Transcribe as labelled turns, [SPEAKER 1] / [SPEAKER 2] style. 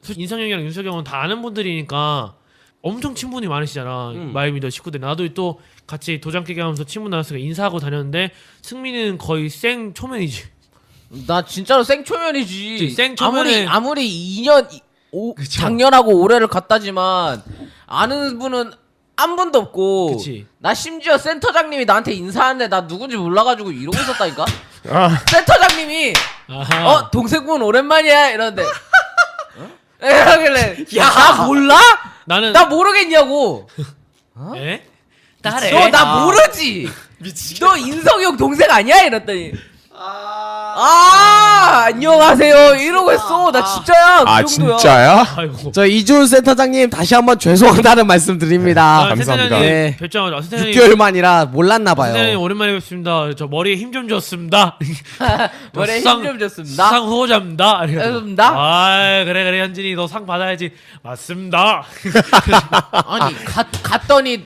[SPEAKER 1] 인성이 형이랑 윤석이 형은 다 아는 분들이니까 엄청 친분이 많으시잖아. 마이미더 식구들. 나도 또 같이 도장 깨기 하면서 친분 나왔으니까 인사하고 다녔는데 승민이는 거의 생 초면이지.
[SPEAKER 2] 나 진짜로 생초면이지.
[SPEAKER 1] 생초면에
[SPEAKER 2] 아무리 2년 작년하고 올해를 갔다지만 아는 분은 한 분도 없고.
[SPEAKER 1] 그치.
[SPEAKER 2] 나 심지어 센터장님이 나한테 인사하는데 나 누군지 몰라가지고 이러고 있었다니까.
[SPEAKER 3] 아.
[SPEAKER 2] 센터장님이
[SPEAKER 1] 아하.
[SPEAKER 2] 동생분 오랜만이야 이러는데 이러길래
[SPEAKER 1] 야.
[SPEAKER 2] 나 몰라?
[SPEAKER 1] 나는
[SPEAKER 2] 나 모르겠냐고.
[SPEAKER 1] 에? 딸에.
[SPEAKER 2] 너 나 모르지. 너 인성이 형 동생 아니야? 이랬더니 안녕하세요 이러고 있어. 나 진짜야.
[SPEAKER 3] 아
[SPEAKER 2] 그 정도야.
[SPEAKER 3] 진짜야?
[SPEAKER 1] 아이고.
[SPEAKER 4] 저 이준 센터장님 다시 한번 죄송하다는 말씀 드립니다.
[SPEAKER 3] 감사합니다.
[SPEAKER 4] 네.
[SPEAKER 1] 별장을 선생님
[SPEAKER 4] 6개월 만이라 몰랐나
[SPEAKER 1] 선생님
[SPEAKER 4] 봐요.
[SPEAKER 1] 오랜만에 뵙습니다. 저 머리에 힘 좀 줬습니다.
[SPEAKER 2] 머리에
[SPEAKER 1] 수상-
[SPEAKER 2] 힘좀 줬습니다.
[SPEAKER 1] 수상 후보자입니다.
[SPEAKER 2] 알겠습니다.
[SPEAKER 1] 아 그래 현진이 너 상 받아야지. 맞습니다.
[SPEAKER 2] 아니 갔더니